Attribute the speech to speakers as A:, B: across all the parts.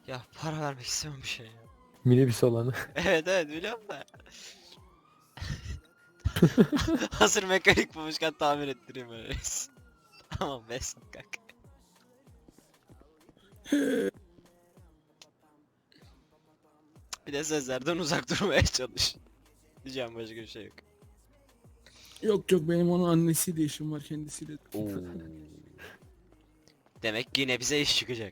A: Ya para vermek istemem bir şey ya.
B: Minibüs olanı.
A: Evet evet biliyorum da. Hazır mekanik bulmuşken tamir ettireyim öyle. Tamam Vesat kanka. Bir de sözlerden uzak durmaya çalış. Diyeceğim başka bir şey yok.
C: Yok yok, benim onun annesiyle işim var, kendisiyle.
A: Demek yine bize iş çıkacak.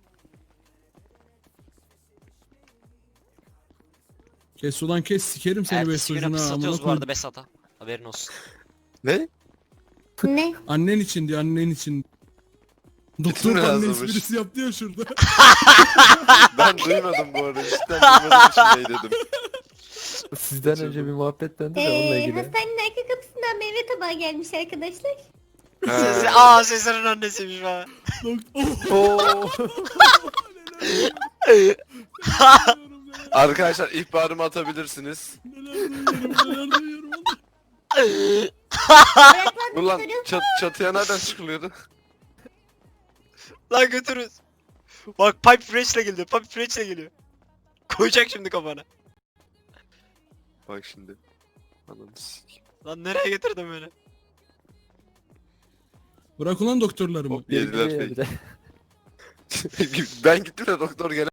C: Kes ulan kes, sikerim seni
A: Ertesi güne
C: Bestocuğuna.
A: biz
C: Amına
A: satıyoruz bu
C: koyayım.
A: arada Besat'a. Haberin olsun.
D: Ne?
E: Ne?
C: Annen için diyor, annen için. Doktor
D: mi
C: anne
D: yazılmış?
C: esprisi yaptı ya şurada.
D: Ben duymadım bu arada. Cidden duymadığım için ne dedim.
B: Sizden önce bir muhabbet döndü de onunla ilgili.
E: Hastanenin arka kapısından meyve tabağı gelmiş arkadaşlar.
A: Sezar'ın annesiymiş falan.
C: Doktor.
B: Oo.
D: Arkadaşlar ihbarımı atabilirsiniz.
C: Neler duyuyorum.
E: Ayaklar
D: Ulan
E: gösteriyor.
D: çatıya nereden çıkılıyordu?
A: Lan götürürüz. Bak pipe fresh'le geliyor. Pipe fresh'le geliyor. Koyacak şimdi kafana.
D: Bak şimdi. Ananı sikeyim.
A: Lan nereye getirdin beni?
C: Bırak ulan doktorlarımı.
D: Hop yediler
B: Yediler
D: fake. Ben gittim de doktor gene